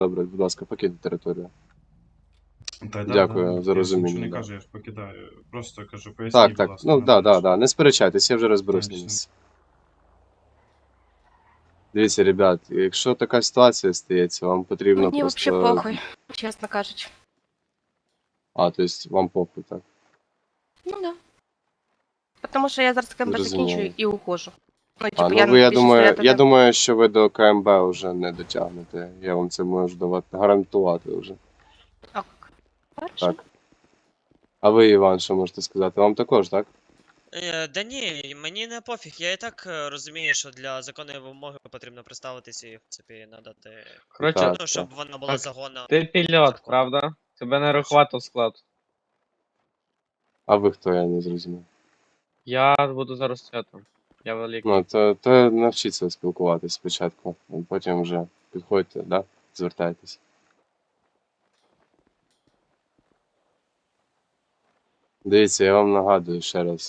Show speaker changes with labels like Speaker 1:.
Speaker 1: Добре, будь ласка, покиньте територію.
Speaker 2: Та
Speaker 1: Дякую за
Speaker 2: Я ж нічого
Speaker 1: розуміння,
Speaker 2: не
Speaker 1: да.
Speaker 2: кажу, я ж покидаю. Просто кажу, поясніть,
Speaker 1: Так,
Speaker 2: будь
Speaker 1: так,
Speaker 2: ласка,
Speaker 1: ну
Speaker 2: надо
Speaker 1: да,
Speaker 2: дальше.
Speaker 1: не сперечайтесь, я вже розберусь на
Speaker 2: Дальше.
Speaker 1: місці. Дивіться, ребят, якщо така ситуація стається, вам потрібно
Speaker 3: Мені
Speaker 1: просто...
Speaker 3: взагалі похуй, чесно кажучи.
Speaker 1: А, то есть вам похуй, так?
Speaker 3: Ну да. Тому що я зараз КМБ
Speaker 1: Зрозуміло.
Speaker 3: закінчую і ухожу. Ну,
Speaker 1: А,
Speaker 3: типу,
Speaker 1: ну
Speaker 3: я
Speaker 1: ви,
Speaker 3: більше стояти
Speaker 1: я
Speaker 3: не...
Speaker 1: думаю, що ви до КМБ вже не дотягнете. Я вам це можу гарантувати вже.
Speaker 3: Ок. Хорошо.
Speaker 1: Так. А ви, Іван, що можете сказати? Вам також, так?
Speaker 4: Да ні, мені не пофіг. Я і так розумію, що для законної вимоги потрібно представитися і, в принципі, надати.
Speaker 5: Коротше,
Speaker 1: Так,
Speaker 4: Ну, щоб
Speaker 1: так.
Speaker 4: вона була
Speaker 5: Так,
Speaker 4: загонна.
Speaker 5: ти пілот,
Speaker 4: законна.
Speaker 5: правда? Тебе не рахувати в склад.
Speaker 1: А ви хто, я не зрозумів.
Speaker 5: Я буду зараз цятом. Я великий.
Speaker 1: Ну, то навчіться спілкуватись спочатку, а потім вже підходьте, да? Звертайтесь. Дивіться, я вам нагадую ще раз.